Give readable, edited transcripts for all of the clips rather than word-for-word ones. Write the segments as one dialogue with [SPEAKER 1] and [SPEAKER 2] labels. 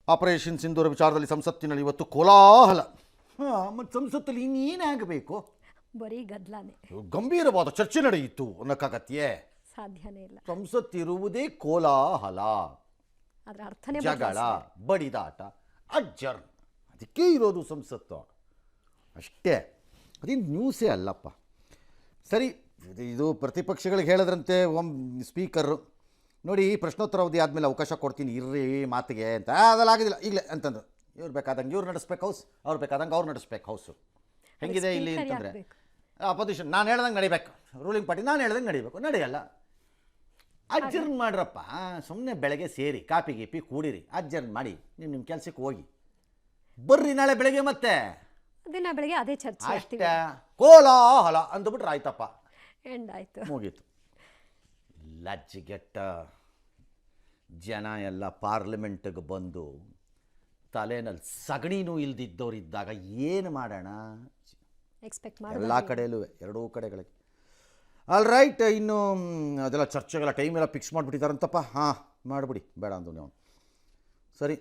[SPEAKER 1] Operation ಸಿಂಧೂರ ವಿಚಾರದಲ್ಲಿ ಸಂಸತ್ತಿನಲ್ಲಿ ಇವತ್ತು ಕೋಲಾಹಲ. ಮತ್ತು ಸಂಸತ್ತಲ್ಲಿ ಇನ್ನೇನಾಗಬೇಕು?
[SPEAKER 2] ಬರೀ ಗದ್ದಲಾನೆ.
[SPEAKER 1] ಗಂಭೀರವಾದ ಚರ್ಚೆ ನಡೆಯಿತು ಅನ್ನೋಕ್ಕಾಗತ್ಯೆ?
[SPEAKER 2] ಸಾಧ್ಯನೇ ಇಲ್ಲ.
[SPEAKER 1] ಸಂಸತ್ತಿರುವುದೇ ಕೋಲಾಹಲ,
[SPEAKER 2] ಅದರ ಅರ್ಥನೇ
[SPEAKER 1] ಜಗಳ, ಬಡಿದಾಟ, ಅಜ್ಜರ್. ಅದಕ್ಕೆ ಇರೋದು ಸಂಸತ್ತು ಅಷ್ಟೇ. ಅದೇನು ನ್ಯೂಸೇ ಅಲ್ಲಪ್ಪ. ಸರಿ, ಇದು ಪ್ರತಿಪಕ್ಷಗಳಿಗೆ ಹೇಳಿದ್ರಂತೆ ಸ್ಪೀಕರು, ನೋಡಿ ಪ್ರಶ್ನೋತ್ತರ ಅವಧಿ ಆದಮೇಲೆ ಅವಕಾಶ ಕೊಡ್ತೀನಿ ಇರ್ರಿ ಮಾತಿಗೆ ಅಂತ. ಅದೆಲ್ಲ ಆಗೋದಿಲ್ಲ ಈಗಲೇ ಅಂತಂದ್ರು. ಇವ್ರು ಬೇಕಾದಂಗೆ ಇವ್ರು ನಡೆಸ್ಬೇಕು ಹೌಸ್, ಅವ್ರು ಬೇಕಾದಂಗೆ ಅವ್ರು ನಡೆಸ್ಬೇಕು ಹೌಸು. ಹೆಂಗಿದೆ ಇಲ್ಲಿ ಅಂತಂದರೆ ಅಪೋಸಿಷನ್ ನಾನು ಹೇಳ್ದಂಗೆ ನಡಿಬೇಕು, ರೂಲಿಂಗ್ ಪಾರ್ಟಿ ನಾನು ಹೇಳ್ದಂಗೆ ನಡಿಬೇಕು, ನಡೆಯಲ್ಲ. ಅಡ್ಜರ್ನ್ ಮಾಡ್ರಪ್ಪ, ಸುಮ್ಮನೆ ಬೆಳಗ್ಗೆ ಸೇರಿ ಕಾಪಿ ಗೀಪಿ ಕೂಡಿರಿ, ಅಡ್ಜರ್ನ್ ಮಾಡಿ ನಿಮ್ಮ ಕೆಲಸಕ್ಕೆ ಹೋಗಿ ಬರ್ರಿ ನಾಳೆ ಬೆಳಗ್ಗೆ ಮತ್ತೆ
[SPEAKER 2] ದಿನ ಬೆಳಗ್ಗೆ ಅದೇ ಚರ್ಚೆ
[SPEAKER 1] ಅಷ್ಟೇ. ಕೋಲಾಹಲ ಅಂದ್ಬಿಟ್ರೆ ಆಯ್ತಪ್ಪ,
[SPEAKER 2] ಎಂಡ್ ಆಯಿತು,
[SPEAKER 1] ಮುಗೀತು. ಲಜ್ಜಿಗೆಟ್ಟ ಜನ ಎಲ್ಲ ಪಾರ್ಲಿಮೆಂಟಿಗೆ ಬಂದು ತಲೆನಲ್ಲಿ ಸಗಣಿನೂ ಇಲ್ದಿದ್ದವರಿದ್ದಾಗ ಏನು ಮಾಡೋಣ?
[SPEAKER 2] ಎಕ್ಸ್ಪೆಕ್ಟ್
[SPEAKER 1] ಎಲ್ಲ ಕಡೆಯಲ್ಲೂ, ಎರಡೂ ಕಡೆಗಳಿಗೆ. ಆಲ್ ರೈಟ್, ಇನ್ನು ಅದೆಲ್ಲ ಚರ್ಚೆಗಳ ಟೈಮ್ ಎಲ್ಲ ಫಿಕ್ಸ್ ಮಾಡಿಬಿಟ್ಟಿದ್ದಾರಂತಪ್ಪ. ಹಾಂ, ಮಾಡಿಬಿಡಿ, ಬೇಡ ಅಂದು ನೀವು. ಸರಿ,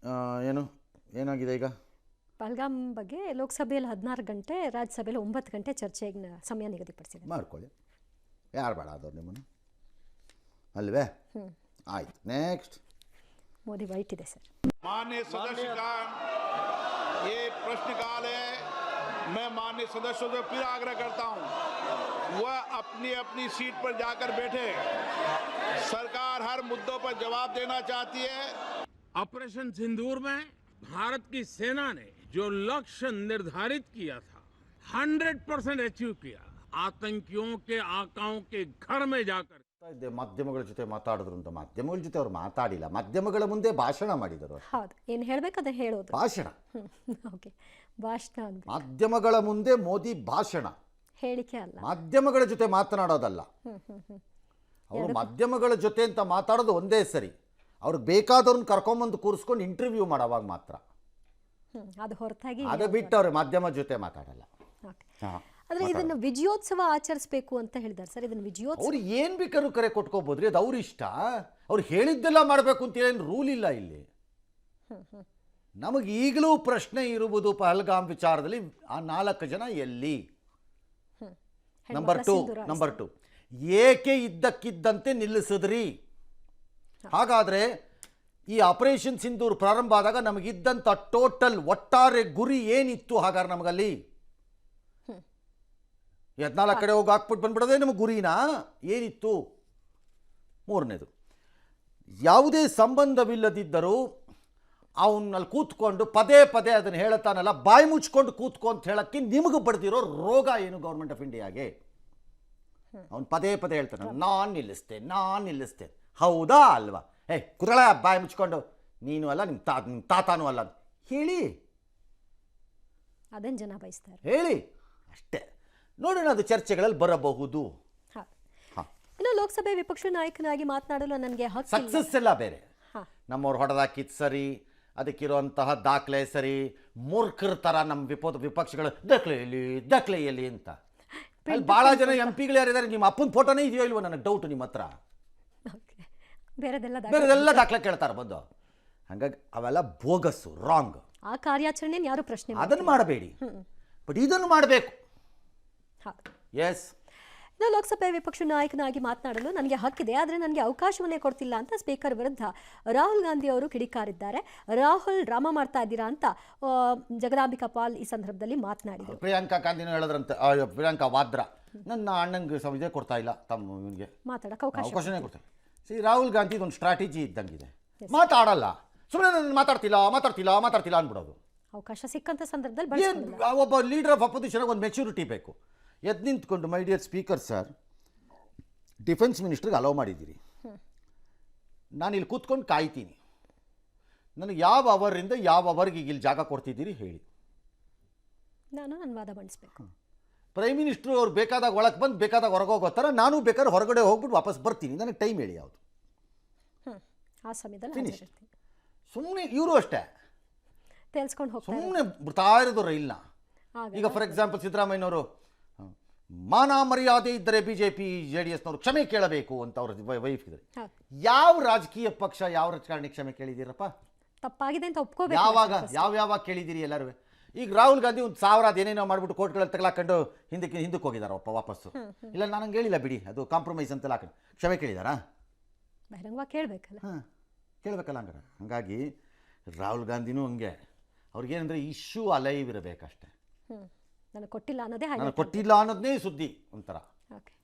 [SPEAKER 1] ಏನಾಗಿದೆ ಈಗ?
[SPEAKER 2] ಪಹಲ್ಗಾಮ್ ಬಗ್ಗೆ ಲೋಕಸಭೆಯಲ್ಲಿ 16 ಗಂಟೆ, ರಾಜ್ಯಸಭೆಯಲ್ಲಿ 9 ಗಂಟೆ ಚರ್ಚೆಗೆ ಸಮಯ ನಿಗದಿಪಡಿಸಿದೆ.
[SPEAKER 1] ಮಾಡ್ಕೊಳ್ಳಿ, ಯಾರು ಬೇಡ ಆದವ್ರು ನಿಮ್ಮನ್ನು ಅಲ್ವೇ? ಆಯ್ತು, ನೆಕ್ಸ್ಟ್.
[SPEAKER 2] ಮೋದಿ ವೈಟ್ ಇದೆ ಸರ್.
[SPEAKER 3] माननीय सदस्यगण, ये प्रश्नकाल है। मैं माननीय सदस्यों से फिर आग्रह करता हूं, वह अपनी अपनी सीट पर जाकर बैठे। सरकार हर मुद्दों पर जवाब देना चाहती है।
[SPEAKER 4] ऑपरेशन सिंदूर में भारत की सेना ने जो लक्ष्य निर्धारित किया था 100% अचीव किया। आतंकियों के आकाओं के घर में जाकर
[SPEAKER 1] ಮಾಧ್ಯಮಗಳ ಜೊತೆ ಮಾತಾಡಿದ್ರು ಅಂತ. ಮಾಧ್ಯಮಗಳ ಜೊತೆ ಅವ್ರು ಮಾತಾಡಿಲ್ಲ, ಮಾಧ್ಯಮಗಳ ಮುಂದೆ ಭಾಷಣ ಮಾಡಿದರು.
[SPEAKER 2] ಹೌದು, ಏನು ಹೇಳಬೇಕು ಅದನ್ನ ಹೇಳೋದು,
[SPEAKER 1] ಭಾಷಣ.
[SPEAKER 2] ಓಕೆ, ಭಾಷಣ ಅಂತ.
[SPEAKER 1] ಮಾಧ್ಯಮಗಳ ಮುಂದೆ ಮೋದಿ ಭಾಷಣ,
[SPEAKER 2] ಹೇಳಿಕೆ ಅಲ್ಲ,
[SPEAKER 1] ಮಾಧ್ಯಮಗಳ ಜೊತೆ ಮಾತನಾಡೋದಲ್ಲ. ಅವರು ಮಾಧ್ಯಮಗಳ ಜೊತೆ ಅಂತ ಮಾತಾಡೋದು ಒಂದೇ ಸರಿ, ಅವ್ರಿಗೆ ಬೇಕಾದವ್ರನ್ನ ಕರ್ಕೊಂಬಂದು ಕೂರಿಸ್ಕೊಂಡು ಇಂಟರ್ವ್ಯೂ ಮಾಡೋವಾಗ ಮಾತ್ರ.
[SPEAKER 2] ಅದು ಹೊರತಾಗಿ
[SPEAKER 1] ಅದು ಬಿಟ್ಟು ಅವ್ರು ಮಾಧ್ಯಮ ಜೊತೆ ಮಾತಾಡಲ್ಲ.
[SPEAKER 2] ಆದರೆ ಇದನ್ನು ವಿಜಯೋತ್ಸವ ಆಚರಿಸಬೇಕು ಅಂತ ಹೇಳಿದ್ದಾರೆ ಸರ್. ಇದನ್ನು ವಿಜಯೋತ್ಸವ
[SPEAKER 1] ಅವ್ರು ಏನು ಬೇಕಾದ್ರೂ ಕರೆ ಕೊಟ್ಕೋಬೋದ್ರಿ, ಅದು ಅವ್ರ ಇಷ್ಟ. ಅವ್ರು ಹೇಳಿದ್ದೆಲ್ಲ ಮಾಡಬೇಕು ಅಂತ ಏನು ರೂಲ್ ಇಲ್ಲ ಇಲ್ಲಿ. ನಮಗೆ ಈಗಲೂ ಪ್ರಶ್ನೆ ಇರುವುದು ಪಹಲ್ಗಾಮ್ ವಿಚಾರದಲ್ಲಿ ಆ 4 ಜನ ಎಲ್ಲಿ? ನಂಬರ್ ಟು, ಏಕೆ ಇದ್ದಕ್ಕಿದ್ದಂತೆ ನಿಲ್ಲಿಸಿದ್ರಿ? ಹಾಗಾದರೆ ಈ ಆಪರೇಷನ್ ಸಿಂಧೂರ್ ಪ್ರಾರಂಭ ಆದಾಗ ನಮಗಿದ್ದಂಥ ಟೋಟಲ್ ಒಟ್ಟಾರೆ ಗುರಿ ಏನಿತ್ತು? ಹಾಗಾದ್ರೆ ನಮಗಲ್ಲಿ 14 ಕಡೆ ಹೋಗಿ ಹಾಕ್ಬಿಟ್ಟು ಬಂದ್ಬಿಡೋದೇ ನಮಗೆ ಗುರಿನಾ? ಏನಿತ್ತು? ಮೂರನೇದು, ಯಾವುದೇ ಸಂಬಂಧವಿಲ್ಲದಿದ್ದರೂ ಅವನಲ್ಲಿ ಕೂತ್ಕೊಂಡು ಪದೇ ಪದೇ ಅದನ್ನು ಹೇಳುತ್ತಾನಲ್ಲ, ಬಾಯಿ ಮುಚ್ಕೊಂಡು ಕೂತ್ಕೊ ಅಂತ ಹೇಳೋಕ್ಕೆ ನಿಮಗೆ ಬಡ್ದಿರೋ ರೋಗ ಏನು ಗೌರ್ಮೆಂಟ್ ಆಫ್ ಇಂಡಿಯಾಗೆ? ಅವನು ಪದೇ ಪದೇ ಹೇಳ್ತಾನೆ, ನಾನು ನಿಲ್ಲಿಸ್ತೇನೆ. ಹೌದಾ ಅಲ್ವಾ? ಕುರಳ ಬಾಯಿ ಮುಚ್ಕೊಂಡು, ನೀನು ಅಲ್ಲ, ನಿಮ್ಮ ತಾತಾನೂ ಅಲ್ಲ ಹೇಳಿ,
[SPEAKER 2] ಅದನ್ನು ಜನ ಬಯಸ್ತಾರೆ,
[SPEAKER 1] ಹೇಳಿ ಅಷ್ಟೇ. ನೋಡೋಣ, ಅದು ಚರ್ಚೆಗಳಲ್ಲಿ ಬರಬಹುದು.
[SPEAKER 2] ಇನ್ನು ಲೋಕಸಭೆ ವಿಪಕ್ಷ ನಾಯಕನಾಗಿ ಮಾತನಾಡಲು ನನಗೆ
[SPEAKER 1] ಸಕ್ಸಸ್ ಎಲ್ಲ ಬೇರೆ, ನಮ್ಮವ್ರು ಹೊಡೆದಾಕಿದ್ದು ಸರಿ, ಅದಕ್ಕಿರುವಂತಹ ದಾಖಲೆ ಸರಿ. ಮೂರ್ಖರ ಥರ ನಮ್ಮ ವಿಪಕ್ಷಗಳು ದಾಖಲೆಯಲ್ಲಿ ಅಂತ. ಅಲ್ಲಿ ಭಾಳ ಜನ MP ಗಳು ಯಾರಿದ್ದಾರೆ, ನಿಮ್ಮ ಅಪ್ಪನ ಫೋಟೋನೇ ಇದೆಯೋ ಇಲ್ವೋ ನನಗೆ ಡೌಟ್ ನಿಮ್ಮ ಹತ್ರ. ಬೇರೆದೆಲ್ಲ ದಾಖಲೆ ಕೇಳ್ತಾರೆ ಬಂದು. ಹಾಗಾಗಿ ಅವೆಲ್ಲ ಬೋಗಸ್ಸು, ರಾಂಗ್.
[SPEAKER 2] ಆ ಕಾರ್ಯಾಚರಣೆ ಯಾರು ಪ್ರಶ್ನೆ
[SPEAKER 1] ಅದನ್ನು ಮಾಡಬೇಡಿ, ಬಟ್ ಇದನ್ನು ಮಾಡಬೇಕು. ಎಸ್,
[SPEAKER 2] ಇನ್ನು ಲೋಕಸಭೆ ವಿಪಕ್ಷ ನಾಯಕನಾಗಿ ಮಾತನಾಡಲು ನನಗೆ ಹಕ್ಕಿದೆ, ಆದರೆ ನನಗೆ ಅವಕಾಶವನ್ನೇ ಕೊಡ್ತಿಲ್ಲ ಅಂತ ಸ್ಪೀಕರ್ ವಿರುದ್ಧ ರಾಹುಲ್ ಗಾಂಧಿ ಅವರು ಕಿಡಿಕಾರಿದ್ದಾರೆ. ರಾಹುಲ್ ಡ್ರಾಮಾ ಮಾಡ್ತಾ ಇದ್ದೀರಾ ಅಂತ ಜಗದಾಂಬಿಕಾ ಪಾಲ್ ಈ ಸಂದರ್ಭದಲ್ಲಿ ಮಾತನಾಡಿದರು.
[SPEAKER 1] ಪ್ರಿಯಾಂಕಾ ಗಾಂಧಿನೂ ಹೇಳಿದ್ರಂತೆ, ಪ್ರಿಯಾಂಕಾ ವಾದ್ರಾ, ನನ್ನ ಅಣ್ಣಂಗೆ ಇದೇ ಕೊಡ್ತಾ ಇಲ್ಲ, ತಮ್ಮನಿಗೆ
[SPEAKER 2] ಮಾತಾಡಕ್ಕೆ
[SPEAKER 1] ಅವಕಾಶನೇ ಕೊಡ್ತಾ ಇಲ್ಲ. ರಾಹುಲ್ ಗಾಂಧಿ ಒಂದು ಸ್ಟ್ರಾಟಜಿ ಇದ್ದಂಗಿದೆ, ಮಾತಾಡಲ್ಲ, ಸುಮ್ಮನೆ ಮಾತಾಡ್ತಿಲ್ಲ ಅಂದ್ಬಿಡೋದು.
[SPEAKER 2] ಅವಕಾಶ ಸಿಕ್ಕಂತ ಸಂದರ್ಭದಲ್ಲಿ
[SPEAKER 1] ಒಬ್ಬ ಲೀಡರ್ ಆಫ್ ಅಪೋಸಿಷನ್ ಒಂದು ಮೆಚುರಿಟಿ ಬೇಕು. ಎದ್ದು ನಿಂತ್ಕೊಂಡು, my dear speaker sir, defence ಮಿನಿಸ್ಟ್ರಿಗೆ ಅಲೋ ಮಾಡಿದ್ದೀರಿ, ನಾನು ಇಲ್ಲಿ ಕೂತ್ಕೊಂಡು ಕಾಯ್ತೀನಿ, ನನಗೆ ಯಾವ ಅವರಿಂದ ಯಾವ ಅವರ್ಗೆ ಈಗ ಇಲ್ಲಿ ಜಾಗ ಕೊಡ್ತಿದ್ದೀರಿ ಹೇಳಿ,
[SPEAKER 2] ನಾನು ನನ್ನ ವಾದ ಮಂಡಿಸ್ಬೇಕು.
[SPEAKER 1] ಪ್ರೈಮ್ ಮಿನಿಸ್ಟ್ರು ಅವ್ರು ಬೇಕಾದಾಗ ಒಳಗೆ ಬಂದು ಬೇಕಾದಾಗ ಹೊರಗೆ ಹೋಗೋ ಥರ ನಾನು ಬೇಕಾದ್ರೆ ಹೊರಗಡೆ ಹೋಗ್ಬಿಟ್ಟು ವಾಪಸ್ ಬರ್ತೀನಿ, ನನಗೆ ಟೈಮ್ ಹೇಳಿ ಯಾವುದು,
[SPEAKER 2] ಆ ಸಮಯದಲ್ಲಿ
[SPEAKER 1] ಸುಮ್ಮನೆ ಇವರು ಅಷ್ಟೇ
[SPEAKER 2] ತೇಲ್ಸ್ಕೊಂಡು ಹೋಗ್ತಾರೆ,
[SPEAKER 1] ಸುಮ್ಮನೆ ಬಿಡ್ತಾ ಇರೋದು ರೈಲ್ನ. ಈಗ ಫಾರ್ ಎಕ್ಸಾಂಪಲ್ ಸಿದ್ದರಾಮಯ್ಯನವರು ಮಾನ ಮರ್ಯಾದೆ ಇದ್ದರೆ ಬಿಜೆಪಿ JDSನವರು ಕ್ಷಮೆ ಕೇಳಬೇಕು ಅಂತ ಅವ್ರ ವೈಫ್ ಇದ್ದಾರೆ. ಯಾವ ರಾಜಕೀಯ ಪಕ್ಷ ಯಾವ ರಾಜಕಾರಣಿ ಕ್ಷಮೆ ಕೇಳಿದ್ದೀರಪ್ಪ?
[SPEAKER 2] ತಪ್ಪಾಗಿದೆ ಅಂತ ಒಪ್ಕೋಬೇಕು.
[SPEAKER 1] ಯಾವಾಗ ಕೇಳಿದ್ದೀರಿ ಎಲ್ಲರೂ? ಈಗ ರಾಹುಲ್ ಗಾಂಧಿ ಒಂದು 1000 ಅದೇನೇನೋ ಮಾಡ್ಬಿಟ್ಟು ಕೋರ್ಟ್ಗಳಲ್ಲಿ ತಗೊಳಕೊಂಡು ಹಿಂದಕ್ಕೆ ಹೋಗಿದಾರ ವಾಪಸ್ಸು. ಇಲ್ಲ ನಾನು ಹಂಗೆ ಹೇಳಿಲ್ಲ ಬಿಡಿ, ಅದು ಕಾಂಪ್ರಮೈಸ್ ಅಂತೆಲ್ಲ ಹಾಕೊಂಡು ಕ್ಷಮೆ ಕೇಳಿದಾರಾ?
[SPEAKER 2] ಬಹಿರಂಗವಾಗಿ ಕೇಳಬೇಕಲ್ಲ.
[SPEAKER 1] ಕೇಳಬೇಕಲ್ಲ ಹಂಗಾರೆ. ಹಾಗಾಗಿ ರಾಹುಲ್ ಗಾಂಧಿನೂ ಹಂಗೆ, ಅವ್ರಿಗೇನಂದರೆ ಇಶ್ಯೂ ಅಲೈವ್ ಇರಬೇಕಷ್ಟೆ.
[SPEAKER 2] ನನಗೆ ಕೊಟ್ಟಿಲ್ಲ ಅನ್ನೋದೇ
[SPEAKER 1] ನನಗೆ ಕೊಟ್ಟಿಲ್ಲ ಅನ್ನೋದನ್ನೇ ಸುದ್ದಿ ಒಂಥರ.
[SPEAKER 2] ಓಕೆ.